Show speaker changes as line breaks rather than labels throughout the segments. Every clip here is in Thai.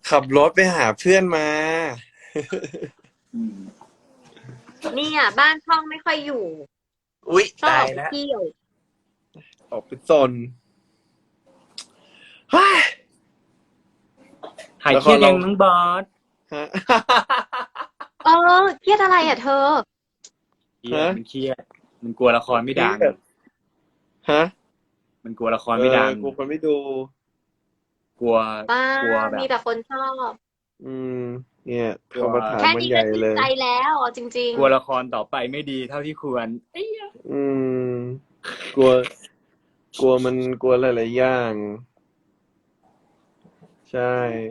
ขับรถไปหาเพื่อนมา
อืม
เนี่ยบ้านช่องไม่ค่อยอยู่
อุ๊ย
ต้องอ
ตายแล้ว
อกไปเที่ยว
ออกไปซนเฮ้ย
หายเครียดยังน้องบอส
ฮะ
เออเครียดอะไรอ่ะเธอ
เครียดมันเครียดมันกลัวละครไม่ดัง
ฮะ
มันกลัวละครไม่ดัง
กูคนไม่ดู
กลัว
บ้าก
ลัวแบ
มี
บ
แต่คนชอบ
อืม เนี่ย
กลัว
คำถาม
แค่
มัน
นี้
ให
ก็
ญ่
ชื่
เล
น
ย
ใจแล้วเอาจริง
กลัวละครต่อไปไม่ดีเท่าที่ควรเอ้ย
อืม กลัว กลัวมันกลัวหลายๆอย่าง ใช่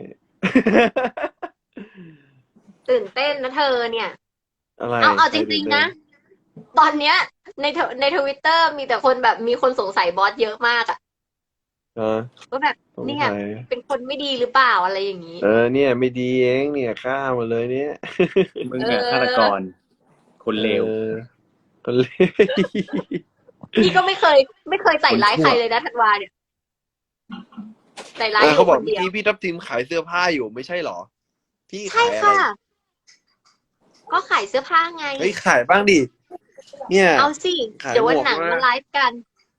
ๆ ตื่นเต้นนะเธอเนี่ย
อะไร
เอา
ใค
จ
ร
ริ
ตื่
ง
น
ๆ
เต้
นะ
น
ตอนเนี้ยในทวิตเตอร์มีแต่คนแบบมีคนสงสัยบอสเยอะมากอะ
ฮะ
ว่าแบบ
สง
เนี่ย
สัย
เป็นคนไม่ดีหรือเปล่าอะไรอย่างนี้
เนี่ยไม่ดีเองเนี่ยฆ่าหมดเลยเนี่ย
มึง
เอ
เนี่ยฆาตก
อ
ร คนเลว
คนเลว
พี่ก็ไม่เคยใส่ร้าย
คนชั่ว
ใครเลยนะธันวาเนี่ยใส่ร้ายอ
เขา
ยู่
บ
ค
อก
น
เมื่อ
เดียว
กี้พี่ทับทิมขายเสื้อผ้าอยู่ไม่ใช่เหรอ พี่
ใช่
ขายอะไร
ค่ะ ก็ขายเสื้อผ้าไง
เฮ้ยขายบ้างดิ เนี่ย
เอาสิ
ขาย
เดี๋ยว
หม
วัน
วก
หนัง
มา
มาไลฟ์กัน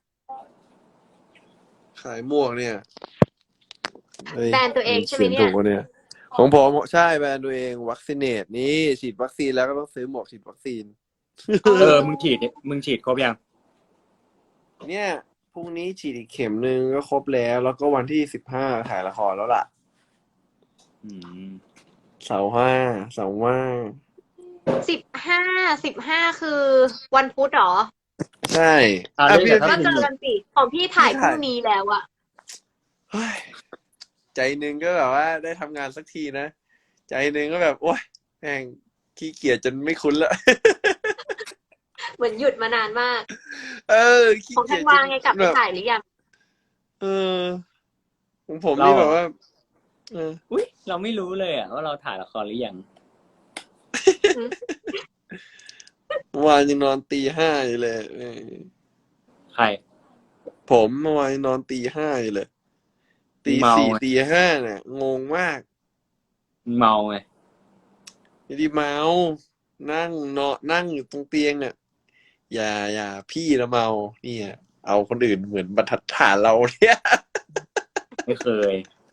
ขายหมวกเนี่ยเฮ้ย
แบรนด์ตัวเองใช่ไหม
เสียง
เนี่
ถู
ย
กวะเนี่ย ของผมใช่แบรนด์ตัวเองวัคซีเนตนี่ฉีดวัคซีนแล้วก็ต้องซื้อหมวกฉีดวัคซีน
มึงฉีดครบยัง
เนี่ยพรุ่งนี้ฉีดอีกเข็มนึงก็ครบแล้ว แล้วก็วันที่15ถ่ายละครแล้วล่ะ
อืม
เสาร์ห้าเสาร์ว่าง
15คือวันพุธเหรอ
ใช่
อ่ะเล่น
พี่
กับทัพ
ก็
ทิ
เจ
ม
อกันสิ ของพี่ถ่ายพรุ่งนี้แล้วอะ
เฮ้ยใจหนึงก็แบบว่าได้ทำงานสักทีนะ ใจหนึงก็แบบโอ๊ยแม่งขี้เกียจจนไม่คุ้นละ
เหมือนหยุดมานานมาก
ขี้
ของ
เกี
ธั
ย
น
จจ
วาน ไงกลับไป
แบบ
ถ่ายหรือยัง
ของผมนี่แบบว่า
อุ้ยเราไม่รู้เลยอ่ะว่าเราถ่ายละครหรือยัง
เมื่อวานยังนอนตีห้าอยู่เลย
ใคร
ผมเมื่อวานยังนอนตีห้าอยู่เลยตี
เมา
สี่
ไง
ตีห้าเนี่ยงงมาก
เมาไง
ไม่ได้เมา นั่งนอนนั่งอยู่ตรงเตียงเนี่ยอย่าพี่ละเมาเนี่ยเอาคนอื่นเหมือนบรรทัดฐานเราเนี่ย
ไม่เคย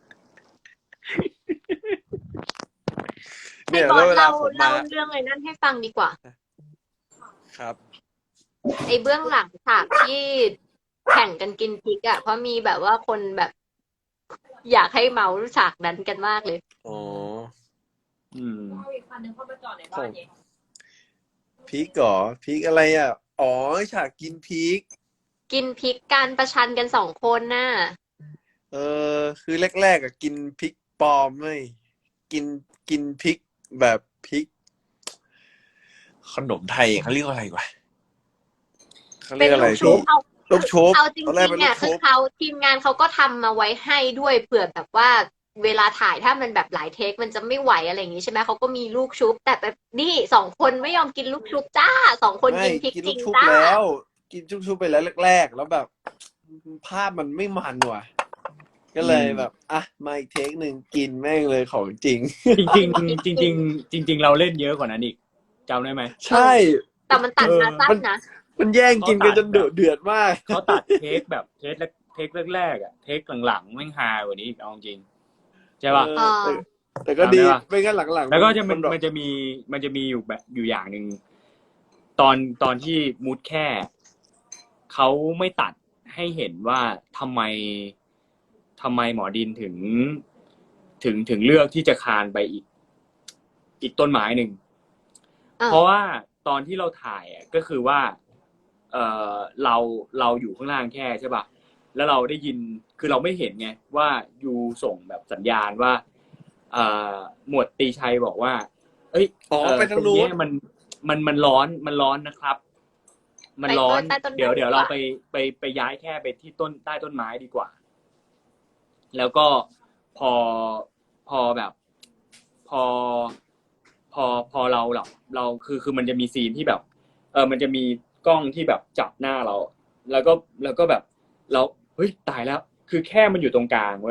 ให้
เนี่ย
บอ
แล้ว
ส
เวลา
เล่า
ผมมา
เล่าเรื่องไอ้นั่นให้ฟังดีกว่า
ครับ
ไอ้เบื้องหลังฉากที่แข่งกันกินพริกอะเพราะมีแบบว่าคนแบบ อยากให้เมาฉากนั้นกันมากเลย
อ๋อ
อืม
เอาอีกคันนึงเข้าไปจอดในบ้านเอง
พริกเหรอพริกอะไรอ่ะอ๋อฉากกินพริก
กินพริกกันประชันกันสองคนน่ะ
คือแรกๆอะกินพริกปลอมไม่กินพริกแบบพริก ขนมไทยเขาเรียกว่าอะไรวะเขาเรี
เป็
ย
น
กอะไร
ลูกชุ
พี่
บเอา
ลูกชุบ
เอาจริ
ตอนแรก
ง
เป็น
ๆ
ลู
เนี่ย
ก
คื
ชุ
อบ เขาทีมงานเขาก็ทำมาไว้ให้ด้วยเผื่อแบบว่า เวลาถ่ายถ้ามันแบบหลายเทคมันจะไม่ไหวอะไรอย่างนี้ใช่ไหมเขาก็มีลูกชุบ แต่แบบนี่สองคนไม่ยอมกินลูกชุบจ้าสองคน
ไม่
กินพริก
กิน
จ
ลู
ริ
ก
ง
ชุบ
จ้า
แล้ว กินลูกชุบไปแล้วแรกๆแล้วแบบ ภาพมันไม่มันว่ะ ก็เลยแบบอ่ะมาอีกเทคหนึ่งกินแม่งเลยของจริง
จริงๆจริงๆจริงๆเราเล่นเยอะกว่านั้นอีกจำได้ไหม
ใช่
แต่มันตัดมาสั้นนะ
มันแย่งกินกันจนเดือดมาก
เขาตัดเทคแบบเทคแรกๆอ่ะเทคหลังๆแม่งฮากว่านี้อีกเอาจริงใช่ป่ะ
แต่ก็ดี
จำได้ปะ
ไม่งั้นหลังๆ
แล้วก็จะมัน
แบบ
มันจะมีอยู่แบบอยู่อย่างหนึ่งตอนที่มูดแค่เขาไม่ตัดให้เห็นว่าทำไมหมอดินถึงเลือกที่จะคานไปอีกต้นไม้หนึ่ง
อ่า
เพราะว่าตอนที่เราถ่ายอ่ะก็คือว่าเออเราอยู่ข้างล่างแค่ใช่ป่ะแล้วเราได้ยินคือเราไม่เห็นไงว่ายูส่งแบบสัญญาณว่าเอ่อหมวดตีชัยบอกว่า เอ้ย
ไปทางนู้น
ตรงเนี้ยมันร้อนนะครับ มันร้อน
ใต้ต้นไม้
เดี๋ยว
ดีกว่า
เราไปย้ายแค่ไปที่ใต้ต้นไม้ดีกว่า แล้วก็พอแบบพอเราคือมันจะมีซีนที่แบบมันจะมีกล้องที่แบบจับหน้าเรา แล้วก็แบบเราเฮ้ยตายแล้ว คือแค่มันอยู่ตรงกลางเว้ย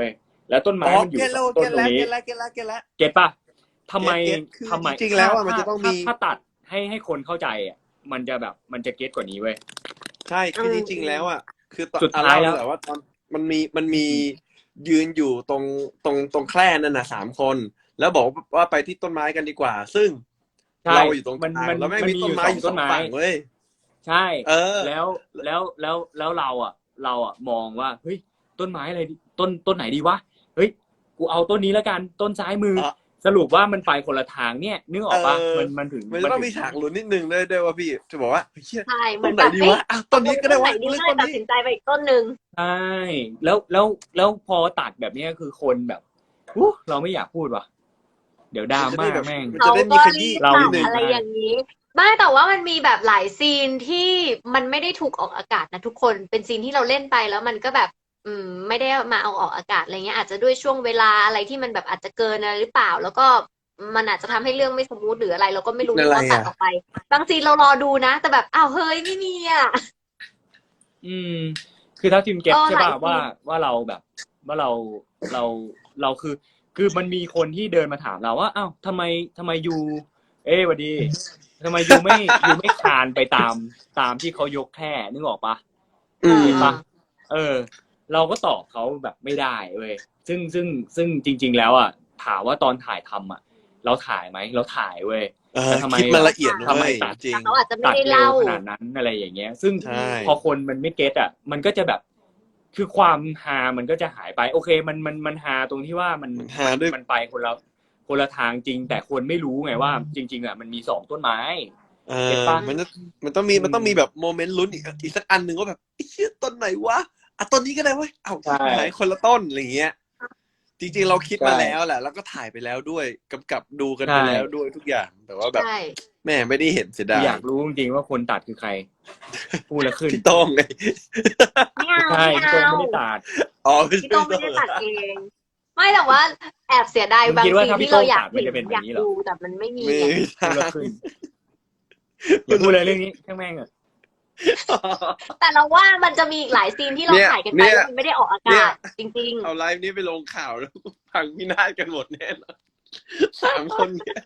แล้วต้น
อ๋
ไม้
อ
มันอยู่
เก็ตแล้ว
ต้
เก็
น
ต
ตร
แล้
ง
ว
นี้
เก็ตแล้วเก็ตแล้วเก็ตแล้ว
เก็ตปะทำไม
เก็ตคือ
ทำไม
จริงๆแล้วอะมันจะต้องมี
ถ้าตัดให้คนเข้าใจอ่ะมันจะแบบมันจะเก็ตกว่านี้เว้ย
ใช่คือจริงๆแล้วอ่ะคือตอน
สุดท้ายแล้ว
เล่าเลยว่าตอนมันมียืนอยู่ตรงแคร่นั่นน่ะ3 คน แล้วบอกว่าไปที่ต้นไม้กันดีกว่า ซึ่ง
ใช่
เราอยู่ตรงก
มัน
ลาง
มัน
แล้วไม่ง
มัน
มี
มี
ต้
อน ยู่
ไม้
สอ
อง ยู่
ต้
2
นไม้
ฝั่งเว้ย
ใช่
เออ
แล้วเราอ่ะมองว่าเฮ้ยต้นไม้อะไรต้นไหนดีวะเฮ้ยกูเอาต้นนี้แล้วกันต้นซ้ายมือ
เออ
สรุปว่ามันไปคนละทางเนี่ยนึกออกปะ
เออ
มันถึง
มันจะต้องมีฉากลุ้นนิดนึงด้วยว่าพี่จะบอกว่าเฮ้ยเหี้ย
ใช่เหมื
ต้
อน น
ไหน
แบบ
ดี
เอ้ยว
ะอ่ะต้นนี้ก็ได้วะ
ต้นไหนดี
เลือก
ก็
ต้น
เลยตัด
นี้
สินใจไปอีกต้นหนึ่ง
ใช่แล้วพอตัดแบบเนี้ยคือคนแบบเราไม่อยากพูดว่ะเดี๋ยวดราม่าแม่ง
มันจะได้มีขยี้
เรา
นิดนึง
อะไรอย่างนี้ไม่แต่ว่ามันมีแบบหลายซีนที่มันไม่ได้ถูกออกอากาศนะทุกคนเป็นซีนที่เราเล่นไปแล้วมันก็แบบ ไม่ได้มาเอาออกอากาศอะไรเงี้ยอาจจะด้วยช่วงเวลาอะไรที่มันแบบอาจจะเกินอะไรหรือเปล่า แล้วก็มันอาจจะทำให้เรื่องไม่สมูทหรืออะไรเราก็ไม่รู้
อะไร
ว่าตัด
อ่ะ
ออกไปบางซีนเรารอดูนะ แต่แบบอ้าวเฮ้ยไม่มีอ่ะ
คือถ้าทีมเก็ต
เออ
ใช่ป่ะ
หลายซีน
ว่าเราแบบว่าเราคือมันมีคนที่เดินมาถามเราว่าอ้าวทำไมยูหวัดดีทำไมยูไม่คลานไปตามที่เขายกแค่นึกออกปะ
อืม
เห็นปะเราก็ตอบเขาแบบไม่ได้เว้ยซึ่งจริง ๆ แล้วอ่ะถามว่าตอนถ่ายทำอ่ะ เราถ่ายไหมเราถ่ายเว้ย แต่ทำไม
คิดมาละเอียดนะ
ทำไม
เว้ย
ตัด
จริง
แต่เขาอาจจะไม่
ตัด
ได้
เร็ว
เล่า
ขนาดนั้นอะไรอย่างเงี้ย ซึ่ง
ใช่
พอคนมันไม่เก็ตอ่ะ มันก็จะแบบ คือความฮามันก็จะหายไป โอเค มันฮาตรงที่ว่ามัน
ฮาด้วย
มันไปคนละทางจริง แต่คนไม่รู้ไงว่า จริง ๆอ่ะมันมี2ต้นไม้ เก็ตปะ
มันต้องมีแบบโมเมนต์ลุ้นอีกสักอันหนึ่งว่าแบบไอ้เหี้ยต้นไหนวะอ่ะต้นนี้ก็ได้เว้ยเอ้า
ใช่
หายคนละต้นอะไรอย่างเงี้ย จริงๆเราคิดมา
ใช่
แล้วแหละแล้วก็ถ่ายไปแล้วด้วยกำกับดูกันไป
ใช่
แล้วด้วยทุกอย่าง แต่ว่าแบบ
ใช่
แม่ไม่ได้เห็นเสียดาย
อยากรู้จริงๆว่าคนตัดคือใคร พูดแล้วขึ้น
พี่โต้งไง
ไม่เอา
ใช่
ไม่
พี่โต้ง
เอา
ไม่ได้ตัด
อ๋อ
พี่โต้งไม่ได้ตัดเอง ไม่แต่ว่าแอบเสียดาย
มึง
บาง
คิดว่า
ซีน
ถ้าพี่
ที่เราอยาก
โต้งตัดมัน
เห็
จะเป็น
น
แบบ
อยาก
นี้เหรอ
ดูแต่มันไม่มี
มี
ไง
พูดแล้วขึ้นอย่าพูดเลยเรื่องนี้แค่แม่งอ่ะ
แต่เราว่ามันจะมีอีกหลายซีนที่เรา
เนี่ย
ถ่ายกันไป
เนี่ย
แล้วมันไม่ได้ออกอา
เนี่
กาศ
ย
จริง
เอาไลฟ์นี้ไปลงข่าวแล้วพังพินาศกันหมดแน่นอน3 คนเนี่ย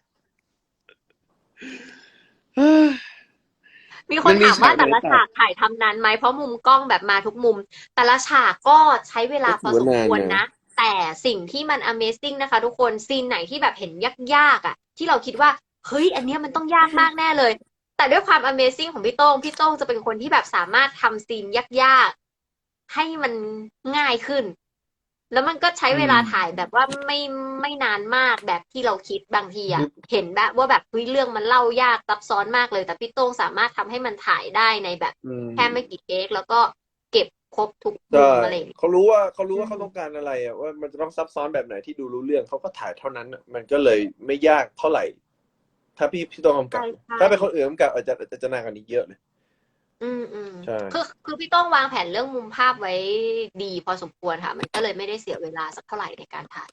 ๆ มีคนถามว่าแต่ละ
มันมีฉา
ฉาก กถ่ายทำนานไหมเพราะมุมกล้องแบบมาทุกมุม แต่ละฉากก็ใช้เวลาพอสมควรนะ แต่สิ่งที่มัน Amazing นะคะ ทุกคนซีนไหนที่แบบเห็นยากๆอ่ะ ที่เราคิดว่าเฮ้ยอันเนี้ยมันต้องยากมากแน่เลย แต่ด้วยความ Amazing ของพี่โต้งจะเป็นคนที่แบบสามารถทำซีนยากๆให้มันง่ายขึ้น แล้วมันก็ใช้เวลาถ่ายแบบว่าไม่นานมากแบบที่เราคิดบางทีอ่ะ เห็นแบบว่าแบบเฮ้ยเรื่องมันเล่ายากซับซ้อนมากเลย แต่พี่โต้งสามารถทำให้มันถ่ายได้ในแบบแค่ไม่กี่เทคแล้วก็เก็บครบทุกมุ
ใช่
มอะไรอย่างเงี้ย
เขารู้ว่าเขาต้องการอะไรอ่ะว่ามันจะต้องซับซ้อนแบบไหนที่ดูรู้เรื่องเขาก็ถ่ายเท่านั้นอะมันก็เลยไม่ยากเท่าไหร่ ถ้าพี่ต้องกำกับ
ใช่ใช่
ถ้าเป็นคนอื่นกำกับอาจจะนานกว่านี้เยอะเลย ใช่
คือพี่โต้องวางแผนเรื่องมุมภาพไว้ดีพอสมควรค่ะ มันก็เลยไม่ได้เสียเวลาสักเท่าไหร่ในการถ่าย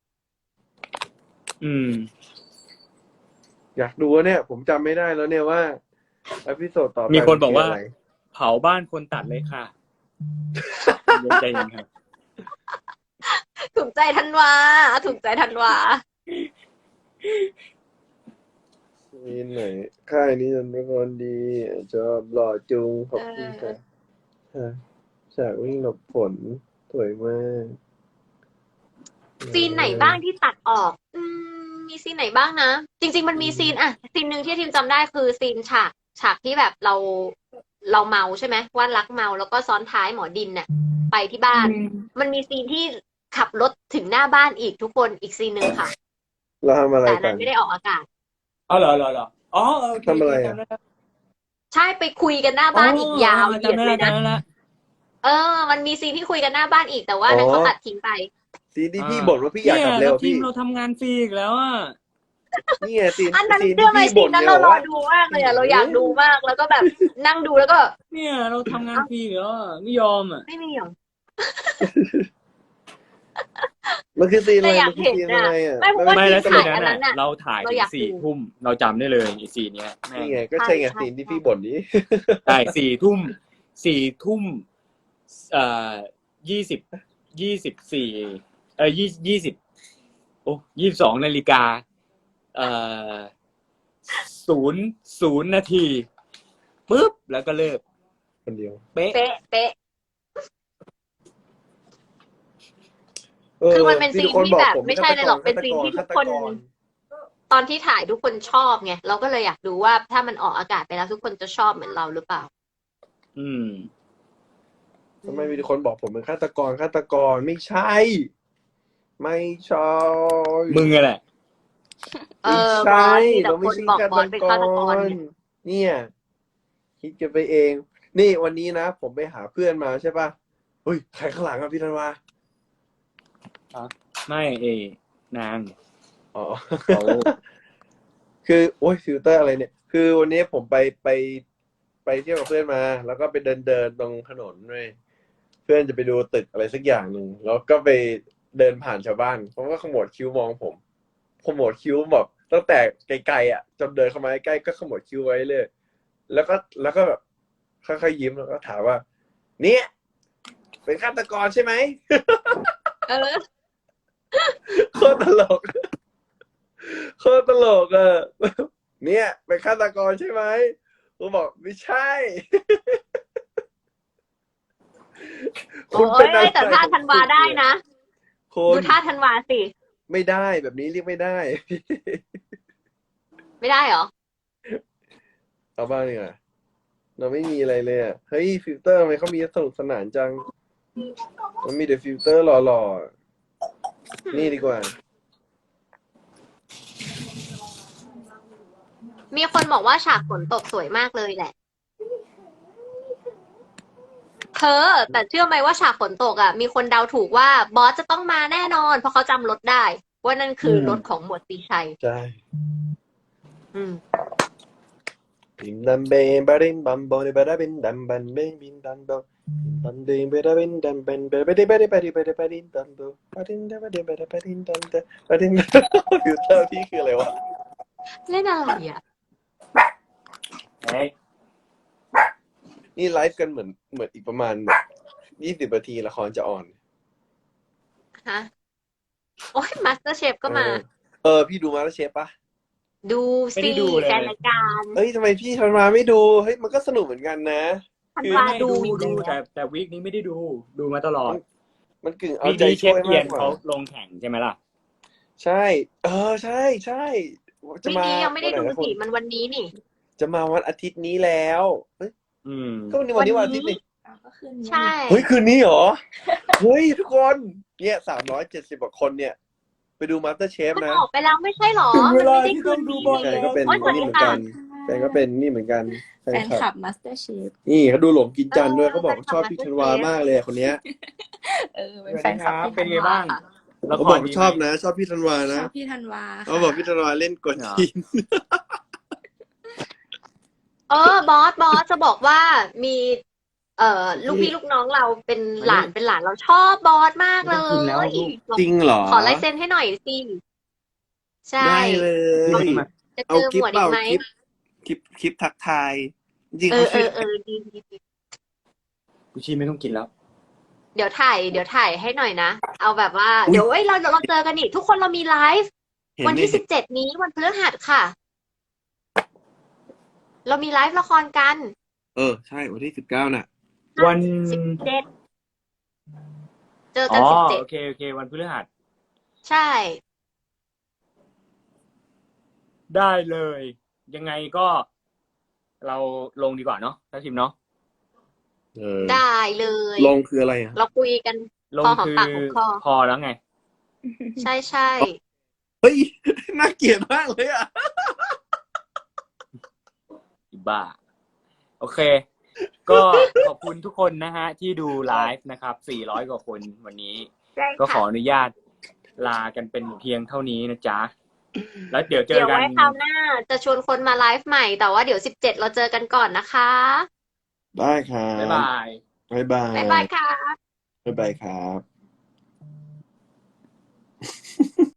อยากดูว่าเนี่ย ผมจำไม่ได้แล้วเนี่ยว่าอพิโซดต่อไป
มีคนบอกว่า
มัะไร
เผาบ้านคนตัดเลยค่ะใจเย็นครับ
ถูกใจธันวาถูกใจธันวา
มีไหนค่ายนี้เป็นคนดีชอบหล่อจุงขอบคุณค่ะฉากวิ่งหลบฝนสวยมาก
ซีนไหนบ้างที่ตัดออก มีซีนไหนบ้างนะ จริง ๆ มันมีซีนซีนหนึ่งที่ทีมจำได้คือซีนฉากที่แบบเราเมาใช่ไหมว่ารักเมาแล้วก็ซ้อนท้ายหมอดินน่ะไปที่บ้าน มันมีซีนที่ขับรถถึงหน้าบ้านอีกทุกคนอีกซีนหนึ่งค่ะ
เราทำอะไร
แต่
กั
นั้น นไม่ได้ออกอากาศ
อ๋อเหรออ๋อโอเค
ทำอะไรอะ
จำด้แล้ว
ใช่ไปคุยกันหน้าบ้านอีกยาวเหยียดเลยนะ
จำได้แล้ว
มันมีซีนที่คุยกันหน้าบ้านอีกแต่ว่านั้นเขาตัดทิ้งไป
ซีนที่พี่บ่นว่าพี่อยากกลับเร็ว
ที
พี่
มเราทำงานฟรีอีกแล้วอ่ะ
นี่ไงซีน
อันนั้น
ซีน
เรื่อง
ที่
อะไร
พี่
ซี
บ่
น
น
นั้น
เนี่ย
เรารอ
ว่า
ดูมากเลยอะเราอยากดูมากแล้วก็แบบนั่งดูแล้วก็
เนี่ยเราทำงานฟรีอีกแล้วอะไม่ยอมอ่ะ
ไม่มีหรอ
มันคือซีนอะไร
แต่อยาก
มันคือซีน
เห็น
อะไร
อะ
อ่ะ
ไม่เพราะว่า
ไม่แล้ว
ที่
ซีน
ถ่าย
นั้น
อันนั้น
อ่ะ
น่ะ
เราถ่าย
เรา
ถึ
อยาง ก
สี่
ดู
ทุ่มเราจำได้เลยอีซีนเนี้ยแม่ง
นี่ไงก็ใช่ไง
ใช่
ซีนที่พี่บ่นนี้
ใช่4 ทุ่ม20 24 20โอ้22 นาฬิกาเอ่อ00 นาทีปุ๊บแล้วก็เลิก
คนเดียว
เป๊ะ
เป๊ะเป๊ะ คือมันเป็นซีนที่แบบไม่ใช่เลยหรอกเป็นซีนที่ทุกคน ตอนที่ถ่ายทุกคนชอบไงเราก็เลยอยากดูว่าถ้ามันออกอากาศไปแล้วทุกคนจะชอบเหมือนเราหรือเปล่า
อืม
ทำไมมีคนบอกผมเป็นฆาตกรไม่ใช่ ไม่ใช่
มึงอะแหละ
เอ
ไม่
อบ
ใช่
อสมีแต่
เรา
ค
ไม่
น
ใช่
บอก
ฆา
บอ
ต
สเป็น
ก
ฆาตกร
ร
เนี่ย
เนี่ย คิดกันไปเอง นี่วันนี้นะผมไปหาเพื่อนมาใช่ป่ะเฮ้ยใครข้างหลังอ่ะพี่ธันวา
ไม่นาง
อ๋อ
เขา
คือโอ้ยฟิลเตอร์อะไรเนี่ย คือวันนี้ผมไปเที่ยวกับเพื่อนมา แล้วก็ไปเดินตรงถนนด้วยเพื่อนจะไปดูตึกอะไรสักอย่างหนึ่งแล้วก็ไปเดินผ่านชาวบ้านเขาก็ขมวดคิ้วมองผมขมวดคิ้วแบบตั้งแต่ไกลๆอ่ะจนเดินเข้ามาใกล้ๆก็ขมวดคิ้วไว้เลย แล้วก็แบบค่อยๆยิ้มแล้วก็ถามว่า เนี่ยเป็นฆาตกรใช่ไหม
เออ
โคตรตลกโคตรตลกอ่ะเนี่ยเป็นฆาตกรใช่ไหมผมบอกไม่ใช่
โอ้ยแต่ท่าธันวาได้นะ
คุ
ดู
ณ
ท่าธันวาสิ
ไม่ได้แบบนี้เรียกไม่ได้
ไม่ได้เหรอ
เอาบ้างดีกว่าเราไม่มีอะไรเลยอ่ะเฮ้ยฟิลเตอร์ทำไมเขามีสนุกสนานจัง มันมีแต่ฟิลเตอร์หล่อๆนี่ดีกว่า
มีคนบอกว่าฉากฝนตกสวยมากเลยแหละ แต่เชื่อไหมว่าฉากฝนตกอ่ะ มีคนเดาถูกว่าบอสจะต้องมาแน่นอน เพราะเขาจำรถได้ ว่านั่นคือรถของหมวดตีชัย
ใช่
อืม
บินดัมเบนบารินบัมบอลบาราบินดัมบันเบนบินดัมบอลบันเดนบาราบินดัมบันบาราบินบาราบินบาราบินดัมบอลบารินดัมบารินบาราบินดัมบอลบารินฟิลเตอร์พี่คืออะไรวะ
เล่นอะไรอ่ะ
เฮ้ย
นี่ไลฟ์กันเหมือนอีกประมาณแบบ20 นาทีละครจะออน
ฮะ โอ้ยมาสเตอร์เชฟก็มา
พี่ดูมาแล้วเชฟปะ
ดู
ไม่
สิ
ได้ดูเลย
แฟนรายการ
เฮ้ยทำไมพี่ธันวาไม่ดูเฮ้ยมันก็สนุกเหมือนกันนะ
ธัน
คือ
วา
ไม่
ดู
ดู
อยู่แล้ว
แต่วีคนี้ไม่ได้ดูมาตลอด
มันกึ่งเอา
วีค
ใจ
นี้เช
ช่
ฟ
วย
เอีย
มาน กกว่า
เขาลงแข่งใช่ไหมล่ะ
ใช่ ใช่ใช่จะ
วีค
มา
นี้ยังไม่ได้
วันหน
ดู
นะคุ
สิ
ณ
มันวันนี้นี่
จะมาวันอาทิตย์นี้แล้วเฮ้ย
อืม
ก็วันนี้วันอาทิตย์นี่
ก็คืนนี้
ใช่
เฮ้ยคืนนี้เหรอเฮ้ยทุกคนเนี่ย370 กว่าคนเนี่ย ไปดูมาสเตอร์เชฟ
มัน
นะ
ออกไปแล้วไม่ใช่หรอ
ถึงเว
มัน
ลา
ไม่ได้
ที่
คื
ต้อน งดู
นี้
บอล
แฟน
แล้ว
ก็เป็น
โอ๊ยสวัส
นี่
ดี
เหมือน
ค่ะ
กันแฟนก็เป็นนี่เหมือนกันแฟ
แฟ
น
น
คลับ
คลับมาสเตอร์เชฟ
นี่เขาดูหลงกินจันทร์ด้วย
เออ
เขาบอก
แฟนคลับ
ชอบพี่ธันวามากเลยคนเนี้ย
เป็นแฟนคลับพี่
เป็น
ธัน
ไง
วา
บ้าง
ค่ะ
ละ
เขา
ค
บอ
ร
ก
ดี
ชอบ
ไหม
นะ ชอบพี่ธันวา
ช
นะ
อบพี่ธันวา
เขาบอกพี่ธันวาเล่นกวนทีน
บอสจะบอกว่ามีลูกพี่ลูกน้องเราเป็นหลานเราชอบบอสมากเล
ไม่ต้องกินแล้ว
ย
ลูก
จริงเหรอ
ขอลายเซ็นให้หน่อยสิ ใช่
ได้เลย
จะ
เอา
เจอ
คลิ
ห
ป
มวด
เป
อี
ล่าก
ไหม
คลิปทักทาย จริงๆ
เอ
เขา
อ
ชื่อ
ดี
กูชีไม่ต้องกินแล้ว
เดี๋ยวถ่ายให้หน่อยนะ เอาแบบว่า เดี๋ยวเราเจอกันนี่ทุกคนเรามีไลฟ์
เห็น
วัน
ใน
ที่17นี้วันพฤหัสค่ะ เรามีไลฟ์ละครกัน
ใช่วันที่19น่ะ
วัน
17เจอ
อ๋
กัน
อ
17
โอเควันพฤหัส
ใช่
ได้เลย ยังไงก็ เราลงดีกว่าเนาะถ้าทีมเนาะ
ได้เลย
ลงคืออะไรอ่ะ
เราคุยกัน
ลง
พอหอม
คือ
ปากหอมคอ
พอแล้วไง
ใช่
เฮ้ย น่าเกลียดมากเลยอ่ะ
อีบ้า โอเค ก็ขอบคุณทุกคนนะฮะ ที่ดูไลฟ์นะครับ400 กว่าคนวันนี้
ใช่
ก็ขอ
ค่ะ
อนุญาตลากันเป็นเพียงเท่านี้นะจ๊ะ แล้วเดี๋ยวเจ
เดี๋
อ
ยว
กัน
ไว้คราวหน้าจะชวนคนมาไลฟ์ใหม่ แต่ว่าเดี๋ยว17เราเจอกันก่อนนะคะ
ได้ครับ
บ๊ายบาย
บ๊ายบาย
บ๊ายบายค่ะ
บ๊ายบายครับ